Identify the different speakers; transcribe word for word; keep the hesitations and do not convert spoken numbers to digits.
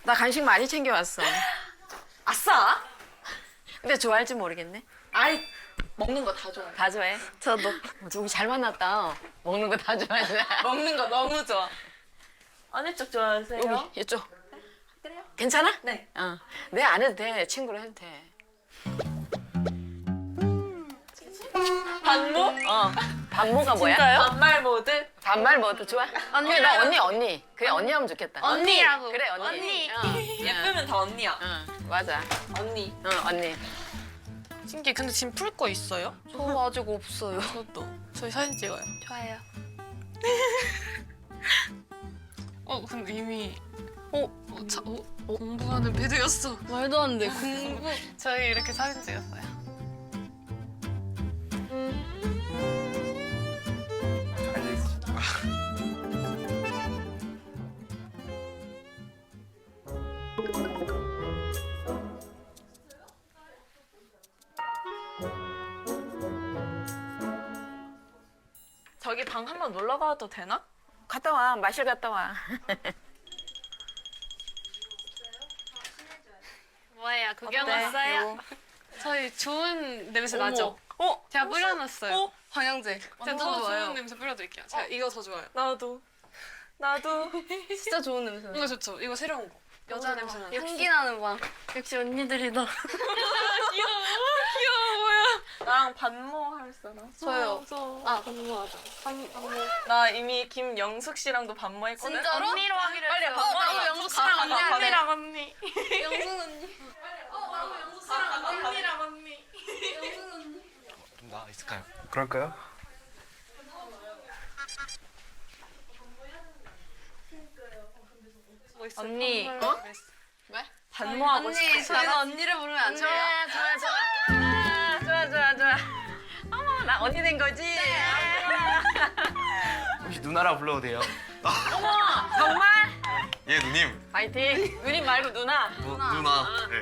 Speaker 1: 나 간식 많이 챙겨왔어.
Speaker 2: 아싸!
Speaker 1: 근데 좋아할지 모르겠네.
Speaker 2: 아이, 먹는 거 다 좋아해.
Speaker 1: 다 좋아해?
Speaker 2: 저도.
Speaker 1: 우리 잘 만났다. 먹는 거 다 좋아하네.
Speaker 2: 먹는 거 너무 좋아. 어느 쪽 좋아하세요?
Speaker 1: 여기 이쪽.
Speaker 2: 그래요?
Speaker 1: 괜찮아?
Speaker 2: 네.
Speaker 1: 어. 내 안 해도 돼. 친구로 해도 돼.
Speaker 2: 반모?
Speaker 1: 어. 반모가 뭐야?
Speaker 2: 반말 모드?
Speaker 1: 반말 뭐도 좋아? 언니 나 언니 언니. 그래 언니 하면 좋겠다.
Speaker 2: 언니라고.
Speaker 1: 그래 언니.
Speaker 2: 언니.
Speaker 1: 어.
Speaker 2: 예쁘면 다 언니야.
Speaker 1: 응 맞아.
Speaker 2: 언니.
Speaker 1: 응 언니.
Speaker 3: 신기 근데 지금 풀 거 있어요?
Speaker 2: 저 아직 없어요.
Speaker 3: 저도. 저희 사진 찍어요.
Speaker 2: 좋아요.
Speaker 3: 어 근데 이미 어, 어, 자, 어, 어, 공부하는 배드였어.
Speaker 2: 말도 안 돼. 공부.
Speaker 3: 저희 이렇게 사진 찍었어요.
Speaker 2: 저기 방 한번 놀러 가도 되나?
Speaker 1: 갔다 와. 마실 갔다 와.
Speaker 3: 뭐예요? 구경
Speaker 2: 어때?
Speaker 3: 왔어요? 저희 좋은 냄새
Speaker 2: 어머.
Speaker 3: 나죠?
Speaker 2: 어?
Speaker 3: 제가 뿌려놨어요.
Speaker 2: 어? 방향제.
Speaker 3: 제가
Speaker 2: 완전
Speaker 3: 더
Speaker 2: 좋아요.
Speaker 3: 좋은 냄새 뿌려드릴게요. 제가 이거 더 좋아요.
Speaker 2: 나도. 나도. 진짜 좋은 냄새.
Speaker 3: 이거 좋죠? 이거 새로운 거. 여자 냄새 나는.
Speaker 2: 향기 나는 방. 역시 언니들이다.
Speaker 3: 귀여워. 귀여워 뭐야?
Speaker 2: 나랑 반모 할 사람? 저요.
Speaker 3: 저.
Speaker 2: 아, 반모하자. 나 이미 김영숙 씨랑도 반모했거든.
Speaker 3: 진짜로?
Speaker 2: 언니로 하기로
Speaker 3: 빨리
Speaker 2: 했어요.
Speaker 3: 반모.
Speaker 2: 나도 영숙 씨랑 언니 언니랑
Speaker 3: 언니.
Speaker 2: 영숙 언니.
Speaker 3: 언니랑 언니.
Speaker 4: 좀 나아 있을까요? 그럴까요?
Speaker 2: 언니.
Speaker 3: 어?
Speaker 1: 왜?
Speaker 2: 반모하고
Speaker 3: 언니,
Speaker 2: 싶어.
Speaker 3: 저희가 언니를 부르면 안 돼요?
Speaker 1: 좋아 좋아 좋아. 아, 좋아 좋아 좋아. 어머 나 언니 된 거지?
Speaker 4: 혹시 누나라 불러도 돼요?
Speaker 1: 정말?
Speaker 4: 예 누님.
Speaker 1: 파이팅. 누님 말고 누나.
Speaker 4: 누나. 네.